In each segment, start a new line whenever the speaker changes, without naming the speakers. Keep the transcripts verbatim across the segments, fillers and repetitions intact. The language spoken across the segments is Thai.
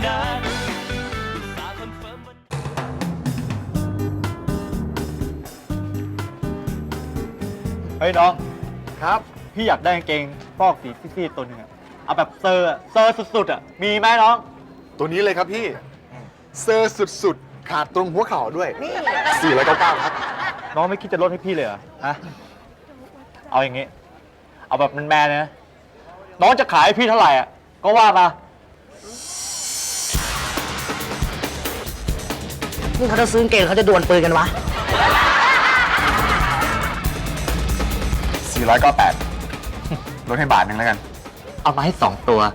นาน
เฮ้ยน้องครับพี่อยากได้กางเกงฟอกสีซีดๆตัวหนึงอะเอาแบบเซอร์อะเซอร์สุดๆอะมีไหมน้อง
ตัวนี้เลยครับพี่เซอร์สุดๆขาดตรงหัวเข่าด้วยสี่ร้อยเก้าเก้าครับ
น้องไม่คิดจะลดให้พี่เลยเหรอฮะเอาอย่างงี้ เอาแบบแมนๆเลยนะน้องจะขายให้พี่เท่าไหร่อะก็ว่ามา
นี่เขาจะซื้อกางเกงเขาจะดวลปืนกันวะ
สี่ร้อยเก้าแปดลดให้บาทหนึ่งแล้วกัน
เอามาให้สองตัว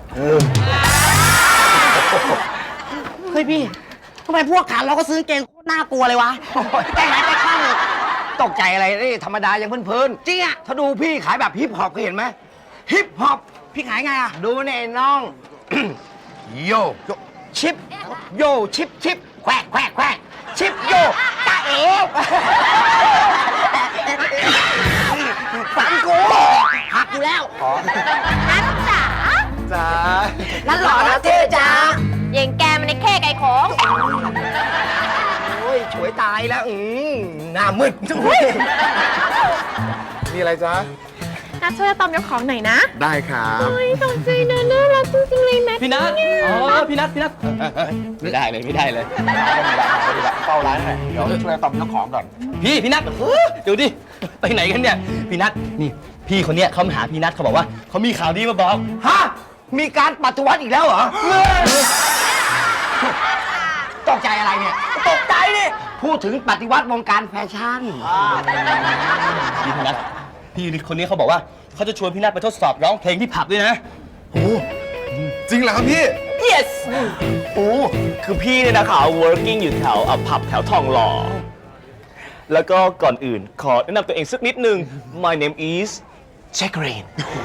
เฮ้ยพี่ทำไมพวกขาเราก็ซื้อกางเกงโคตรน่ากลัวเลยวะแต่ไหนแต่ข้างตกใจอะไรนี่ธรรมดาอย่างเพื่อนๆจริงอะถ้าดูพี่ขายแบบฮิปฮอปเคยเห็นไหมฮิปฮอปพี่ขายไงอะดูเนี่ยน้อง โยชิปโยชิปชิปแควกแควกแควกชิปโยตาเอ๋ฝันกูหักอยู่แล้ว
นัทจ๋า
จ้า
นั่นหล่อนะเท่จ้า
อย่างแกมันในแค่ไก่ของ
โอ้ยฉวยตายแล้วอืมหน้ามืด
มีอะไรจ๊ะ
นัทช่วยตอมยกของหน่อยนะ
ได้ครับ
โอ้ยตกใจนะน่ารักจริงๆเลยแม่
พี่นัทอ๋อพี่นัทพี่นัทไม่ได้เลยไม่ได้เลย
เฝ้าร้านหน่อยเดี๋ยวช่วยตอมเจ้าของก่อน
พี่พี่นัทเฮ้ยเดี๋ยวดิไปไหนกันเนี่ยพี่นัทนี่พี่คนเนี้ยเขามาหาพี่นัทเขาบอกว่าเขามีข่าวดีมาบอก
ฮะมีการปฏิวัติอีกแล้วเหรอตกใจอะไรเนี่ยตกใจดิพูดถึงปฏิวัติวงการแฟชั่น
พี่นัทพี่คนนี้เขาบอกว่าเขาจะชวนพี่นัทไปทดสอบร้องเพลงที่ผับด้วยนะ
โอ้จริงเหรอครับพี่
yes โอ้คือพี่เนี่ยนะคะ working อยู่แถวอ่ะผับแถวทองหล่อแล้วก็ก่อนอื่นขอแนะนำตัวเองสักนิดนึง my name is Jack Rain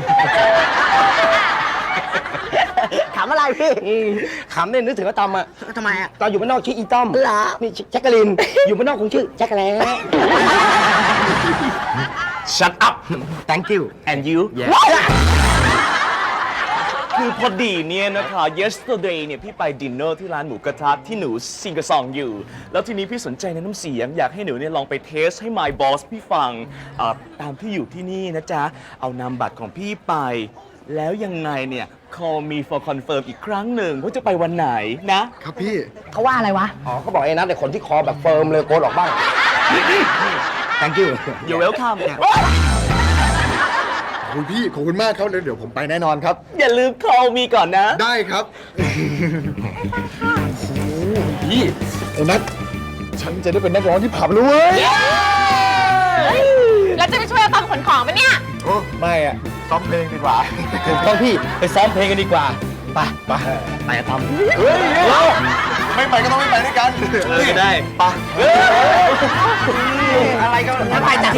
ขำอะไรพี่ขำเนี่ยนึกถึงว่าตอมอะทำไมอะตอนอยู่บ้านนอกชื่ออีต้อมเหรอนี่แจ็คกะลิน อยู่บ้านนอกคงชื่อแจ็คกะแล้
shut up
thank you
and you คือพอดีเนี่ยนะคะ yesterday เนี่ยพี่ไปดินเนอร์ที่ร้านหมูกระทะที่หนูซิงกะซองอยู่ แล้วทีนี้พี่สนใจในน้ำเสียง อยากให้หนูเนี่ยลองไปเทสให้ my boss พี่ฟังอ่าตามที่อยู่ที่นี่นะจ๊ะ เอานามบัตรของพี่ไป แล้วยังไงเนี่ย call me for confirm อีกครั้งหนึ่งว่าจะไปวันไหนนะ
ครับพี่
เขาว่าอะไรวะ อ๋อเขาบอกไอ้นัทแต่คนที่คอแบบเฟิร์มเลยโกนออกบ้าง thank you
you're welcome
ขอบคุณพี่ ขอบคุณมากครับเดี๋ยวผมไปแน่นอนครับ
อย่าลืม call me ก่อนนะ
ได้ครับ
พี่
ไอ้นัทฉันจะได้เป็นนักร้องที่ผับแล้วเว้ย
แล้วจะไปช่วยตอมขนของปะเนี่ย
โอ้ไม่อะซ้อมเพลงดีกว่า
ถูกต้องพี่ไปซ้อมเพลงกันดีกว่าไปไปไปอะตอม
เฮ้ยไม่ไปก็ต้องไม่ไปด้วยกัน
เออได้ไป
อะไรก็ไม่ไปจ้ะ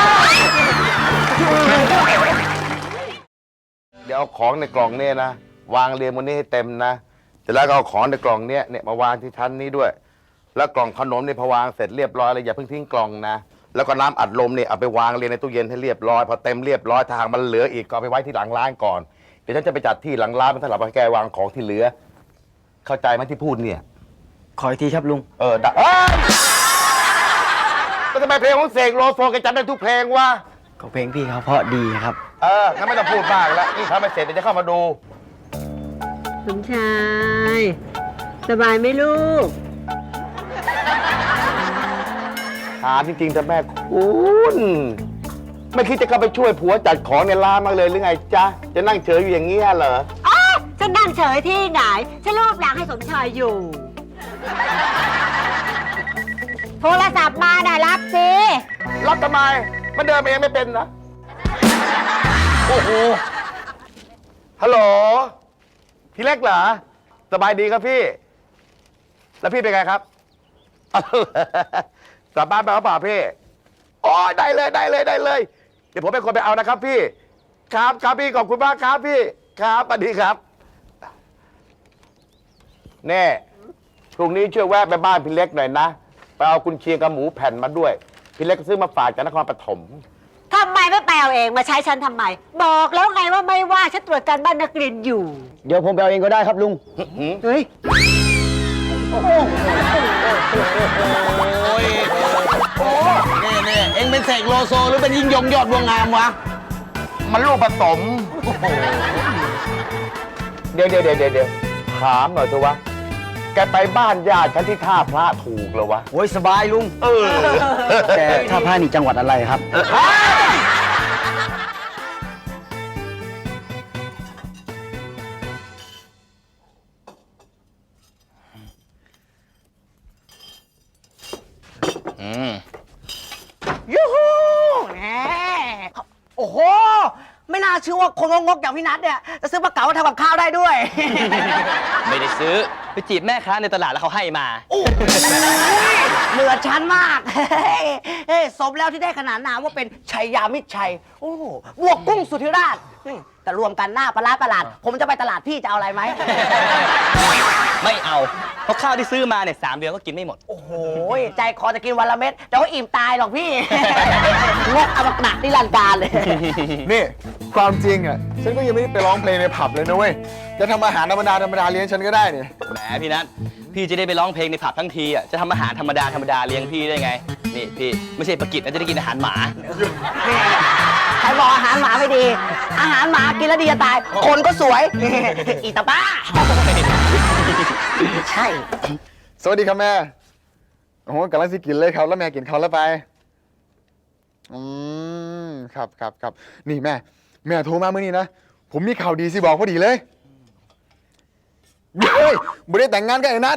เดี๋ยวเอาของในกล่องเนี่ยนะวางเรียงบนนี้ให้เต็มนะเสร็จแล้วก็เอาของในกล่องเนี้ยเนี่ยมาวางที่ชั้นนี้ด้วย แล้วกล่องขนมเนี่ยพอวางเสร็จเรียบร้อยเลยอย่าเพิ่งทิ้งกล่องนะแล้วก็น้ำอัดลมเนี่ยเอาไปวางเรียงในตู้เย็นให้เรียบร้อยพอเต็มเรียบร้อยถ้าหากมันเหลืออีกก็เอาไปไว้ที่หลังร้านก่อนเดี๋ยวฉันจะไปจัดที่หลังร้านเป็นสำหรับให้แกวางของที่เหลือ เข้าใจไหมที่พูดเนี่ย
ขออีกทีครับลุง
เออได้เอ้ยก็ทำไมเพลงของเสกโลโซแกจำได้ทุกเพลงวะ
ก็เพลงพี่เขาเพราะดีครับ
เอองั้นไม่ต้องพูดมากแล้วนี่ทำไม่เสร็จเดี๋ยวจะเข้ามาดู
สมชาย สบายไหมลูก
ถามจริงๆแต่แม่คุณไม่คิดจะเข้าไปช่วยผัวจัดของในร้านมางเลยหรือไงจ๊ะ จะนั่งเฉยอยู่อย่างนี้เหรอ
อ๋อฉันนั่งเฉยที่ไหน ฉันรูปหลังให้สมชายอยู่ โทรศัพท์มาน่ะรับสิ
รับทำไม มันเดินเองไม่เป็นนะ
โอ้โห
ฮัลโหล พี่เล็กเหรอ สบายดีครับพี่ แล้วพี่เป็นไงครับ กลับบ้านไปหรือเปล่าพี่โอ้ยได้เลยได้เลยได้เลย เดี๋ยวผมเป็นคนไปเอานะครับพี่ ครับครับพี่ขอบคุณมากครับพี่ ครับสวัสดีครับ แน่พรุ่งนี้ช่วยแวะไปบ้านพี่เล็กหน่อยนะ ไปเอากุนเชียงกับหมูแผ่นมาด้วย พี่เล็กก็ซื้อมาฝากจากนครปฐม
ทำไมไม่ไปเอาเองมาใช้ฉันทำไม บอกแล้วไงว่าไม่ว่าฉันตรวจการบ้านนักเรียนอยู่
เดี๋ยวผมไปเอาเองก็ได้ครับลุง
เฮ้ย
นี่นี่เองเป็นเสกโลโซหรือเป็นยิ่งยงยอดบัวงามวะ
มันลูกผสม เดี๋ยวเดี๋ยวเดี๋ยวเดี๋ยวถามหน่อยเถอะวะ แกไปบ้านญาติฉันที่ท่าพระถูกเหรอวะ
โอ้ยสบายลุง
เออ
แต่ท่าพระนี่จังหวัดอะไรครับ ยูฮูแหมโอ้โห ไม่น่าเชื่อว่าคนงกๆอย่างพี่นัทเนี่ย จะซื้อปลาเก๋ามาทำกับข้าวได้ด้วย
ไม่ได้ซื้อ ไปจีบแม่ค้าในตลาดแล้วเขาให้มา
เหนือชั้นมาก เฮ้ยสมแล้วที่ได้ขนานนามว่าเป็นชัยยามิตรชัย โอ้โหบวกกุ้งสุธิราชนี่แต่รวมกันหน้าปลาร้าประหลาด ผมจะไปตลาดพี่จะเอาอะไรไหม
ไม่เอา เพราะข้าวที่ซื้อมาเนี่ยสามเดือนก็กินไม่หมด
โอ้โห ใจคอจะกินวันละเม็ดแต่ว่าอิ่มตายหรอกพี่ งกอมตะนิรันดร์การเลย
นี่ความจริงอ่ะฉันก็ยังไม่ได้ไปร้องเพลงในผับเลยนะเว้ยจะทำอาหารธรรมดาธรรมดาเลี้ยงฉันก็ได้เนี่ย
แหมพี่นัทพี่จะได้ไปร้องเพลงในผับทั้งทีอ่ะ จะทำอาหารธรรมดาธรรมดาเลี้ยงพี่ได้ไง นี่พี่ไม่ใช่ประกิตนะจะได้กินอาหารหมา
ใครบอกอาหารหมาไม่ดี อาหารหมากินแล้วดีจะตาย คนก็สวย อีตาบ้า ใช่
สวัสดีครับแม่ โอ้โหกำลังสิกินเลยครับ แล้วแม่กินเขาวแล้วไป อืม ครับครับครับ นี่แม่ แม่โทรมาเมื่อนี้นะ ผมมีข่าวดีสิบอกพอดีเลยเฮ้ยไม่ได้แต่งงานกับไอ้นัท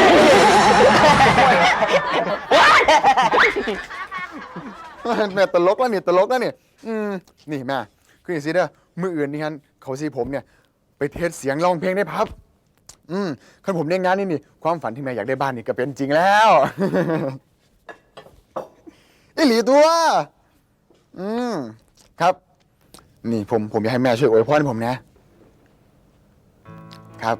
แม่ตลกแล้วนี่ตลกแล้วนี่อืม นี่แม่ คืออย่างนี้เด้อมืออื่นนี่ฮันเขาสิผมเนี่ย ไปเทสเสียงร้องเพลงได้พับ อืมคันผมได้งานนี่นี่ความฝันที่แม่อยากได้บ้านนี่ก็เป็นจริงแล้ว อีหลีตัว อืมครับ นี่ผมผมอยากให้แม่ช่วยอวยพรให้ผมนะ ครับ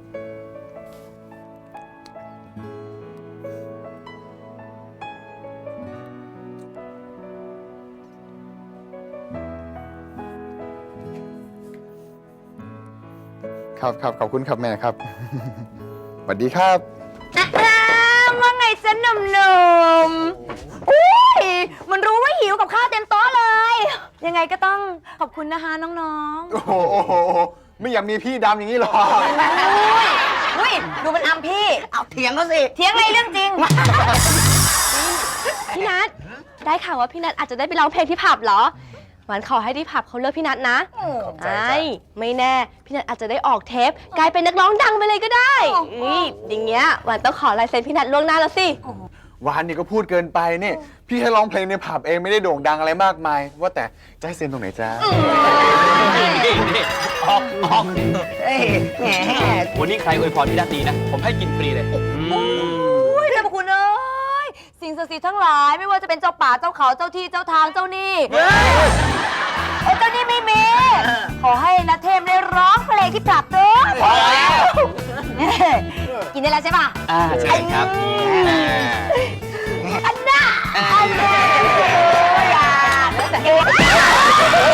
ครับครับขอบคุณครับแม่ครับ สวัสดีครับ
ว่าไงจ๊ะหนุ่มๆอุ้ยมันรู้ว่าหิวกับข้าวเต็มโต๊ะเลย ยังไงก็ต้องขอบคุณนะคะน้อง
โอ้โหโอ้โหโอ้โหไม่อยากมีพี่ดำอย่างนี้หรอก
ๆอุ้ยดูมันอำพี่
เอาเถียงเขาสิ
เถียงอะไรเรื่องจริง พี่นัทได้ข่าวว่าพี่นัทอาจจะได้ไปร้องเพลงที่ผับเหรอหวานขอให้ที่ผับเขาเลือกพี่นัทนะไอ้ไม่แน่พี่นัทอาจจะได้ออกเทปกลายเป็นนักร้องดังไปเลยก็ได้อุ้ยอย่างเงี้ยหวานต้องขอลายเซ็นพี่นัทล่วงหน้าแล้วสิ
วานนี่ก็พูดเกินไปนี่ พี่แค่ร้องเพลงในผับเองไม่ได้โด่งดังอะไรมากมาย ว่าแต่จะให้เซ็นตรงไหนจ้า
นี่นี่ออกออก
เอ้ยแหม
วันนี้ใครอวยพรพี่นัทดีนะ ผมให้กินฟรีเลย
อุ้ยเจ้าพระคุณเอ้ยสิ่งศักดิ์สิทธิ์ทั้งหลายไม่ว่าจะเป็นเจ้าป่าเจ้าเขาเจ้าที่เจ้าทางเจ้านี่เอ้ยเจ้านี่ไม่มีขอให้นัทเทมได้ร้องเพลงที่ผับเถอะพอแล้วกินได้แล้วใช่ป่ะ
อ่าใช่ครับ
อันน่ะอันน่ะอย่าเอ๊ะ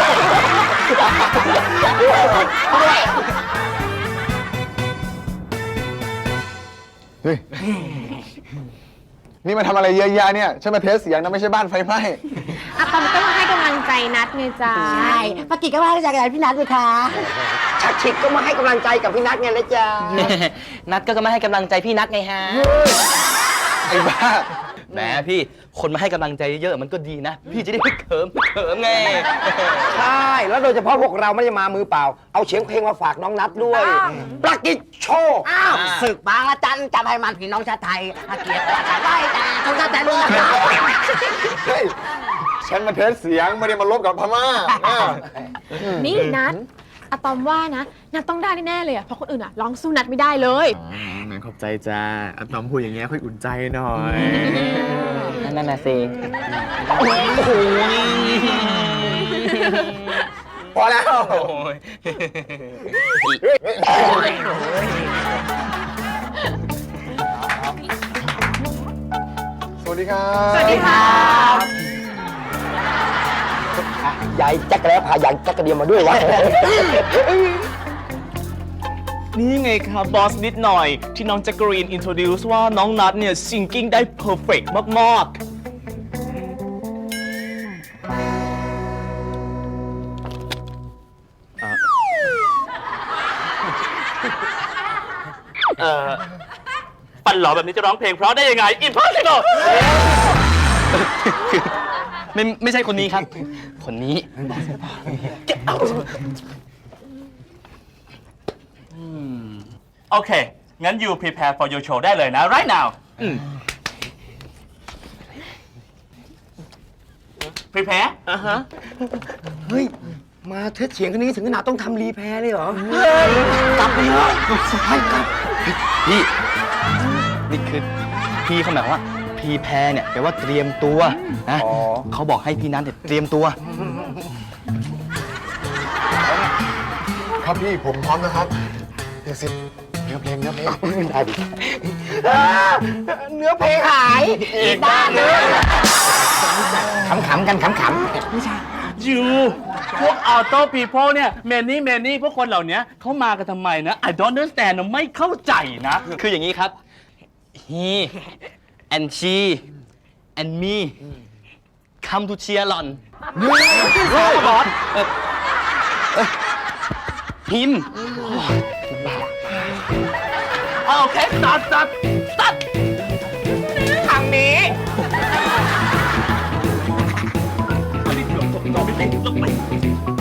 เฮ้ย นี่มาทำอะไรเยอะแยะเนี่ยฉันมาเทสเสียงนะไม่ใช่บ้านไฟไหม้
อะตอมก็มาให้กำลังใจนัดไงจ้า
ใช่ปากิก็มาให้กำลังใจพี่นัทเลยค่ะชักชิดก็มาให้กำลังใจกับพี่นัทไงนะจ๊ะ
นัทก็มาให้กำลังใจพี่นัทไงฮะ
ไอ้บ้า
แหมพี่คนมาให้กำลังใจเยอะๆมันก็ดีนะ พี่จะได้ไม่เขิมไม่เขิมไง
ใช่ แล้วโดยเฉพาะพวกเราไม่ได้มามือเปล่า เอาเสียงเพลงมาฝากน้องนัทด้วยปากิโชว์อ้าวศึกบางละจันจำให้มันพี่น้องชาติไทยอาเกียรติราชาไว้แต่ชนชาติไทยรุ่นนะครับ
เฮ้ย ฉันมาเทสเสียงไม่ได้มาลบกับพม่าอ่า
นี่นัดอะตอมว่านะนัดต้องได้แน่ๆเลยอะเพราะคนอื่นอะร้องสู้นัดไม่ได้เลย
แม่ขอบใจจ้าอะตอมพูดอย่างเงี้ยค่อยอุ่นใจหน่อย
นั่นน่ะสิ
พอแล้ว สวัสดีครับ
สวัสดีค่ะ
ส
ยายแจ็คแล้วพายายแจ็คกระเดียมมาด้วยวะ
นี่ไงครับบอสนิดหน่อย ที่น้องแจ็คกรีนอินโทรดิวส์ว่าน้องนัทเนี่ยซิงกิ้งได้เพอร์เฟกต์มากๆ
เอ่อปั่นหล่อแบบนี้จะร้องเพลงเพราะได้ยังไง impossible ไม่ไม่ใช่คนนี้ครับ คนนี้ Get out โอเค งั้น you prepare for your show ได้เลยนะ right now prepare อ่ะฮะ
เฮ้ย มาเทสเสียงคันนี้ถึงขนาดต้องทำรีแพร์เลยเหรอ กลับไปเถอะไปกลับ
พี่ นี่คือพี่เขาหมายความว่าพรีแพร์เนี่ยแปลว่าเตรียมตัวนะเขาบอกให้พี่นัทเนี่ยเตรียมตัว
ครับพี่ผมพร้อมนะครับเดี๋ยวสิเนื้อเพลงเนื้อเพลงได้ดิ
เนื้อเพลงหายอีกด้านนึงขำๆกันขำๆ
you พวก auto people เนี่ย many many พวกคนเหล่านี้เขามากันทำไมนะ I don't understand นะไม่เข้าใจนะ คืออย่างนี้ครับ he and she and me come to cheer on บอส him โอเค start start start
ทางนี้
ลงไป